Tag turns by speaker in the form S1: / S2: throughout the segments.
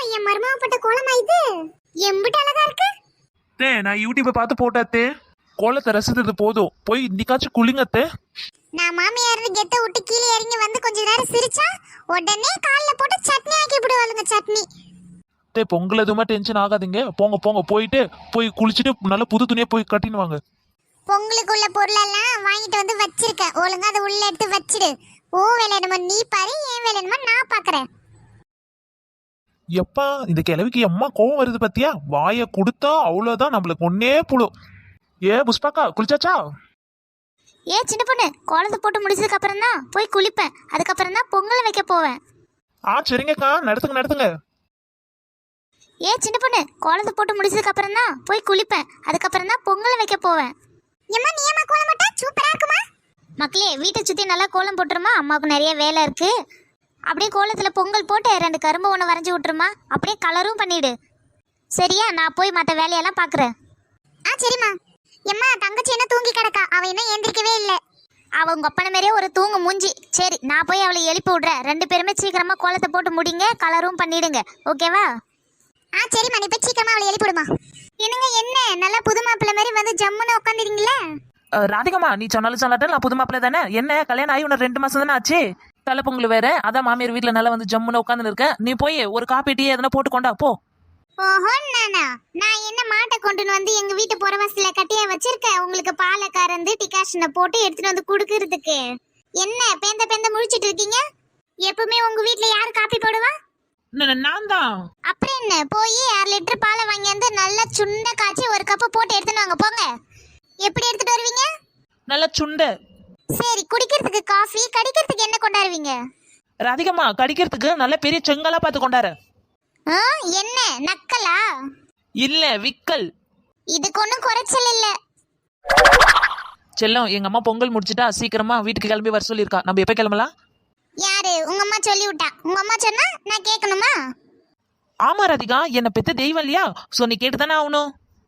S1: என் மருமக போட்ட கோலமா இது? எம்பிட்டு அழகா இருக்கு.
S2: நான் யூடியூப்பை பார்த்து போட்டாத்தே. கோலத்தை ரசித்தது போதும், போய் இன்னைக்காச்சும் குளிங்கத்தே.
S1: நான் மாமியார் கெட்ட விட்டு கீழே இறங்கி வந்து கொஞ்ச நேரம் சிரிச்சா உடனே கால்ல போட்டு சட்னி ஆக்கி விடுவாளுங்க. சட்னி
S2: பொங்கல் எதுவுமே டென்ஷன் ஆகாதீங்க. போங்க போங்க, போய் குளிச்சுட்டு நல்ல புது துணியை போய் கட்டின்னு வாங்க.
S1: பொங்கலுக்குள்ள பொருளெல்லாம் வாங்கிட்டு வந்து வச்சிருக்கேன். ஒழுங்கா அதை உள்ள எடுத்து வச்சிடு. ஓ வேலை என்னமோ நீ பாரு, ஏன் வேலை என்னமோ நான் பாக்குறேன்.
S2: எப்பா இந்த கிழவிக்கு அம்மா கோவம் வருது பத்தியா? வாயை கொடுத்தா அவ்வளவுதான், நம்மளுக்கு ஒன்னே புழும். புஷ்பாக்கா குளிச்சாச்சா?
S1: சின்ன பொண்ணு, கோலத்தை போட்டு முடிச்சதுக்கு அப்புறம் தான் போய் குளிப்பேன். அதுக்கப்புறம் தான் பொங்கல் வைக்க போவேன்.
S2: சரிங்கக்கா, நடத்துங்க.
S1: சின்ன பொண்ணு, கோலத்தை போட்டு முடிச்சதுக்கு அப்புறம் தான் போய் குளிப்பேன். அதுக்கப்புறம் தான் பொங்கல் வைக்க போவேன். ஏம்மா நீ ஏமா கோலம் போட்டா? சூப்பரா இருக்குமா? மக்களே, வீட்டை சுத்தி நல்லா கோலம் போட்டுருமா. அம்மாவுக்கு நிறைய வேலை இருக்கு. அப்படியே கோலத்துல பொங்கல் போட்டு 2 கரும்பு ஒன்று வரைஞ்சி விட்டுருமா. அப்படியே கலரும் பண்ணிடு. சரியா? நான் போய் மற்ற வேலையெல்லாம் பாக்குறேன். சரிம்மா. எம்மா தங்கச்சி என்ன தூங்கி கிடக்கா? அவ இன்னும் எந்திரிக்கவே இல்லை. அவ உங்க அப்பன மாதிரியே ஒரு தூங்கு மூஞ்சி. சரி, நான் போய் அவளை எழுப்பி விடுறேன். 2 பேருமே சீக்கிரமா கோலத்தை போட்டு முடிங்க, கலரும் பண்ணிடுங்க. ஓகேவா? சரிம்மா, நீ போய் சீக்கிரமா அவளை எழுப்பி விடுமா. என்னங்க என்ன நல்லா புது மாப்பிள்ளை மாதிரி வந்து ஜம்முன்னு உட்காந்துருக்கீங்களே?
S2: ராதிகம்மா, நீ சொன்னாலும் சொல்லாட்டும் நான் புது மாப்பிள்ளை தானே. என்ன கல்யாணம் ஆகி உனக்கு 2 மாசம் தானே ஆச்சு. தலை பொங்கல் வேற, அதான் மாமியார் வீட்டுல நல்லா வந்து ஜம்முன்னு உட்காந்து இருக்க. நீ போய் ஒரு காப்பி டீ எதனா போட்டு கொண்டா போ.
S1: ஓஹோ, நான் என்ன மாட்டை கொண்டுன்னு வந்து எங்க வீட்டு புறவாசல கட்டியா வச்சிருக்கேன். உங்களுக்கு பாலை கறந்து டிகாஷனை போட்டு எடுத்துட்டு வந்து குடுக்கறதுக்கு. என்ன பேந்த முழிச்சிட்டு இருக்கீங்க? எப்பவுமே உங்க வீட்டுல யாரு காப்பி போடுவா?
S2: நான் தான்.
S1: அப்புறம் என்ன, போய் 1/2 லிட்டர் பாலை வாங்கி வந்து நல்லா சுண்ட காய்ச்சி ஒரு கப்பு போட்டு எடுத்துட்டு வாங்க. போங்க. எப்படி எடுத்துட்டு வருவீங்க?
S2: நல்லா சுண்ட.
S1: சரி, குடிக்கிறதுக்கு காஃபி, கடிக்கிறதுக்கு என்ன கொண்டாருவீங்க?
S2: ராதிகம்மா, கடிக்கிறதுக்கு நல்ல பெரிய செங்கலா பார்த்து கொண்டாரு.
S1: என்ன நக்கலா?
S2: இல்ல விக்கல்.
S1: இதுக்கு ஒன்றும் குறைச்சல் இல்ல.
S2: செல்லம், எங்க அம்மா பொங்கல் முடிச்சிட்டா சீக்கிரமா வீட்டுக்கு கிளம்பி வர சொல்லியிருக்கா. நம்ம எப்ப கிளம்பலாம்?
S1: யாரு? உங்க அம்மா சொல்லி விட்டா. உங்க அம்மா சொன்னா நான் கேட்கணுமா?
S2: ஆமா ராதிகா, என்ன பெத்த தெய்வம் இல்லையா? சோ நீ கேட்டுதானே ஆகணும்.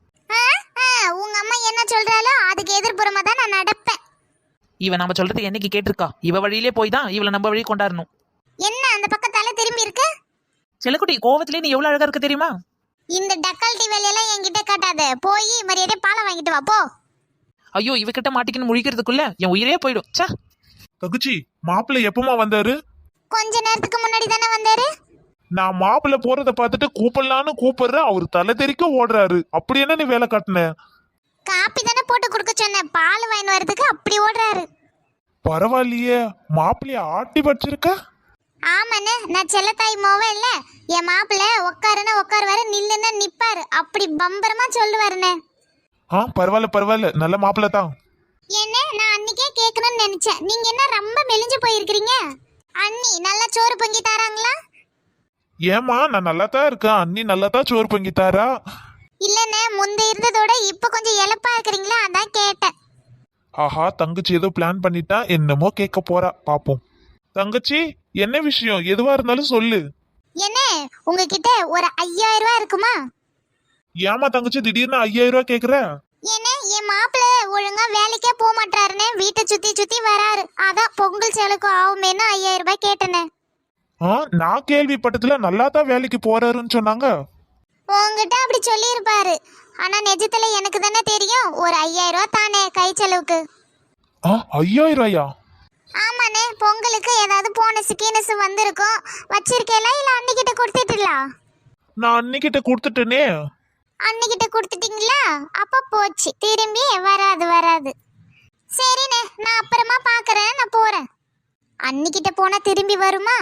S1: உங்க அம்மா என்ன சொல்றாலோ அதுக்கு எதிர்ப்புறமா தான் நான் நடப்பேன்.
S2: இவ நம்ம சொல்றது என்னைக்கு கேட்டிருக்கா? இவ வழியிலே போய் தான் இவளை நம்ம வழி கொண்டாடணும்.
S1: என்ன அந்த பக்கத்தால திரும்பி இருக்கு?
S2: செல்லக்குட்டி, கோவத்திலே நீ எவ்வளவு அழகா இருக்க தெரியுமா?
S1: இந்த டக்கால்ட்டி வேலையெல்லாம் என்கிட்ட காட்டாத. போய் மரியாதை பாலை வாங்கிட்டு வா போ.
S2: ஐயோ, இவகிட்ட மாட்டிக்கின்னு முழிக்கிறதுக்குள்ள என் உயிரே போயிடும். தகுச்சி, மாப்பிள்ளை எப்பமா வந்தாரு?
S1: கொஞ்ச நேரத்துக்கு முன்னாடி தானே வந்தாரு.
S2: நான் மாப்பிள்ளை போறத பார்த்துட்டு கூப்பிடலான்னு கூப்பிடுறேன், அவரு தலை தெறிக்க ஓடுறாரு. அப்படி என்ன நீ வேலை காட்டின?
S1: காப்பி தானே போட்டு கொடுக்க சொன்னேன், பால் வாங்கிட்டு வரதுக்கு அப்படி ஓடுறாரு.
S2: பரவாயில்லையே, மாப்பிள்ளைய ஆட்டி படிச்சிருக்க.
S1: ஆமாண்ணே, நான் செல்லத்தாய் மோவே இல்ல. என் மாப்பிள்ளை உட்காருன்னா உட்காருவாரு, நில்லுன்னா நிப்பாரு. அப்படி பம்பரமா சொல்லுவாருண்ணே.
S2: பரவாயில்ல, நல்ல மாப்பிள்ளை தான்.
S1: என்ன, நான் அன்னைக்கே கேட்கணும்னு நினைச்சேன். நீங்க என்ன ரொம்ப மெலிஞ்சு போயிருக்கிறீங்க? அண்ணி நல்லா சோறு பொங்கி தராங்களா?
S2: ஏமா, நான் நல்லா தான் இருக்கேன். அண்ணி நல்லா தான் சோறு பொங்கி தாரா.
S1: இல்லண்ணே, முந்த இருந்ததோட இப்ப கொஞ்சம் இளப்பா இருக்கிறீங்களா, அதான் கேட்டேன்.
S2: ஆஹா, தங்கச்சி ஏதோ பிளான் பண்ணிட்டா, என்னமோ கேட்க போறா, பாப்போம். தங்கச்சி, என்ன விஷயம்? எதுவா இருந்தாலும் சொல்லு.
S1: என்ன, உங்ககிட்ட ஒரு 5000 ரூபாய் இருக்குமா?
S2: ஏமா தங்கச்சி திடீர்னு 5000 ரூபாய் கேக்குற?
S1: என்ன, என் மாப்பிள்ள ஒழுங்கா வேலைக்கே போக மாட்டாருன்னு வீட்டை சுத்தி சுத்தி வராரு. அதான் பொங்கல் செலவுக்கு ஆகுமேன்னு 5000 ரூபாய் கேட்டேனே.
S2: நான் கேள்விப்பட்டதுல நல்லா தான் வேலைக்கு போறாருன்னு சொன்னாங்க.
S1: உங்ககிட்ட அப்படி சொல்லி இருப்பாரு. ஆனா நிஜத்துல எனக்கு தானே தெரியும். ஒரு 5000 ரூபாய் தானே கை செலவுக்கு.
S2: 5000 ரூபாயா?
S1: ஆமாண்ணே, பொங்கலுக்கு ஏதாவது போனஸ் கீனஸ் வந்திருக்கும். வச்சிருக்கேல இல்ல அன்னிக்கிட்ட கொடுத்துட்டுலாம்?
S2: நான் அன்னிக்கிட்ட கொடுத்துட்டேனே.
S1: அன்னிக்கிட்ட கொடுத்துட்டீங்களா? அப்ப போச்சு, திரும்பி வராது. சரிண்ணே, நான் அப்புறமா பாக்குறேன். நான் போறேன். அன்னிக்கிட்ட போனா திரும்பி வருமா?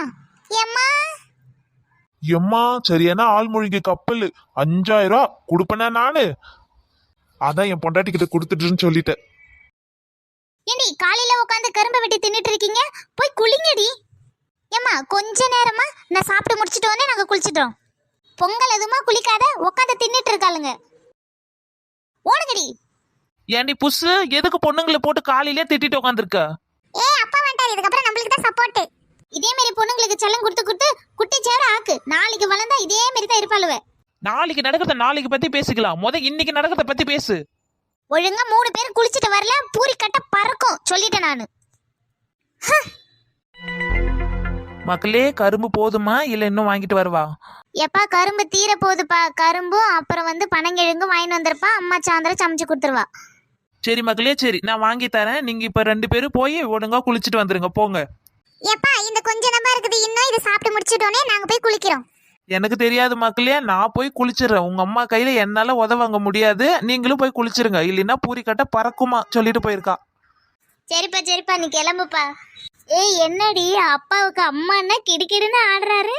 S2: எம்மா சரியான ஆள்மொழிக்கு கப்பல். 5000 ரூபா கொடுப்பேனா நானு? அதான் என் பொண்டாட்டி கிட்ட கொடுத்துட்டுன்னு சொல்லிட்டேன்.
S1: ஏண்டி காலையில உட்காந்து கரும்பு வெட்டி தின்னுட்டு இருக்கீங்க? போய் குளிங்கடி. ஏம்மா கொஞ்ச நேரமா நான் சாப்பிட்டு முடிச்சிட்டு வந்து நாங்க குளிச்சிட்டோம். பொங்கல் எதுமா குளிக்காத உட்காந்து தின்னுட்டு இருக்காளுங்க. ஓடுங்கடி.
S2: ஏண்டி புஷு, எதுக்கு பொண்ணுங்களை போட்டு காலையிலே திட்டிட்டு உட்காந்துருக்க?
S1: அப்பா வந்துட்டாரு, இதுக்கப்புறம் நம்மளுக்கு தான் சப்போர்ட். இதே மாதிரி பொண்ணுங்களுக்கு செல்லம் கொடுத்து குட்டி சேர ஆக்கு. நாளைக்கு வளர்ந்தா இதே மாதிரி தான் இருப்பாளுவ.
S2: நாளைக்கு நடக்கிறத நாளைக்கு பத்தி பேசிக்கலாம். இன்னைக்கு நடக்கிறத பத்தி பேசு.
S1: ஒழுங்கா 3 பேர் குளிச்சிட்டு வரல, பூரி கட்ட பறக்கும் சொல்லிட்டேன் நானு.
S2: மக்களே கரும்பு போதுமா இல்ல இன்னும் வாங்கிட்டு வருவா?
S1: எப்பா கரும்பு தீர போகுதுப்பா. கரும்பும் அப்புறம் வந்து பனங்கிழங்கும் வாங்கிட்டு வந்திருப்பா. அம்மா சாயந்தரம் சமைச்சு கொடுத்துருவா.
S2: சரி மக்களே, சரி நான் வாங்கி தரேன். நீங்க இப்ப 2 பேரும் போய் ஒழுங்கா குளிச்சுட்டு வந்துருங்க போங்க.
S1: எப்பா இந்த கொஞ்ச நம்பர் இருக்குது, இன்னும் இதை சாப்பிட்டு முடிச்சிட்டோனே நாங்க போய் குளிக்கிறோம்.
S2: எனக்கு தெரியாது மக்களே, நான் போய் குளிச்சிடுறேன். உங்க அம்மா கையில என்னால உதவாங்க முடியாது. நீங்களும் போய் குளிச்சிருங்க, இல்லைன்னா பூரி கட்ட பறக்குமா சொல்லிட்டு போயிருக்கா.
S1: சரிப்பா சரிப்பா, நீ கிளம்புப்பா. ஏய் என்னடி அப்பாவுக்கு அம்மான்னா கிடுக்கிடுன்னு ஆடுறாரு.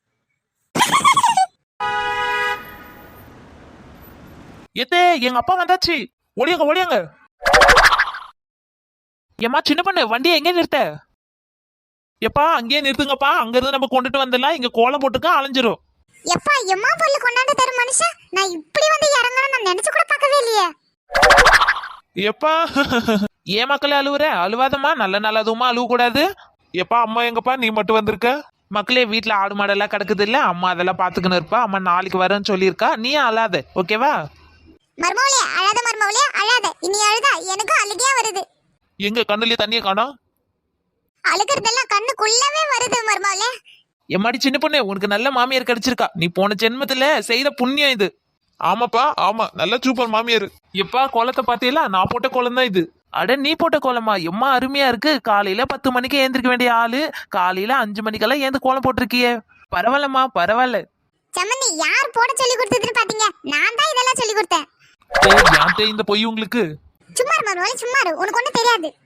S2: எத்தே எங்க அப்பா வந்தாச்சு, ஓடியாங்க ஓடியாங்க. ஏம்மா சின்ன பொண்ணு வண்டியை எங்கே நிறுத்த? எப்பா அங்கேயே நிறுத்துங்கப்பா, அங்க இருந்து நம்ம கொண்டுட்டு வந்துடலாம். இங்க கோலம் போட்டுக்க அலைஞ்சிரும்.
S1: எப்பா எம்மா பொருள் கொண்டாந்து தரும் மனுஷன், நான் இப்படி வந்து இறங்கணும் நான் நினைச்சு கூட பார்க்கவே இல்லையே.
S2: எப்பா ஏன் மக்களே அழுவுற? அழுவாதம்மா, நல்ல நல்லதுமா அழுவ கூடாது. எப்பா அம்மா எங்கப்பா, நீ மட்டும் வந்திருக்க? மக்களே வீட்டுல ஆடு மாடெல்லாம் கிடக்குது இல்ல, அம்மா அதெல்லாம் பாத்துக்கணும் இருப்பா. அம்மா நாளைக்கு வரேன்னு சொல்லியிருக்கா, நீ அழாத ஓகேவா?
S1: மர்மவளே அழாத, மர்மவளே அழாத. இனி அழுதா எனக்கும் அழுகையா வருது.
S2: எங்க கண்ணுலயே தண்ணியை காணோம்?
S1: அழுகிறதெல்லாம் கண்ணுக்குள்ளவே வருது மர்மவளே.
S2: எம்மாடி சின்ன பொண்ணு, உனக்கு நல்ல மாமியார் கிடைச்சிருக்கா. நீ போன ஜென்மத்துல செய்த புண்ணியம் இது. ஆமாப்பா ஆமா, நல்ல சூப்பர் மாமியார். எப்பா கோலத்தை பாத்தீங்களா? நான் போட்ட கோலம் தான் இது. அட நீ போட்ட கோலமா? எம்மா அருமையா இருக்கு. காலையில 10 மணிக்கு ஏந்திருக்க வேண்டிய ஆளு காலையில 5 மணிக்கெல்லாம் ஏந்து கோலம் போட்டிருக்கியே. பரவாயில்லம்மா பரவாயில்ல.
S1: சம்மந்தி யார் போட சொல்லி கொடுத்ததுன்னு பாத்தீங்க? நான் தான் இதெல்லாம் சொல்லி கொடுத்தேன்.
S2: யார்கிட்ட இந்த பொய் உங்களுக்கு?
S1: சும்மா இரு மர்மவளே சும்மா இரு, உனக்கு ஒண்ணும் தெரியாது.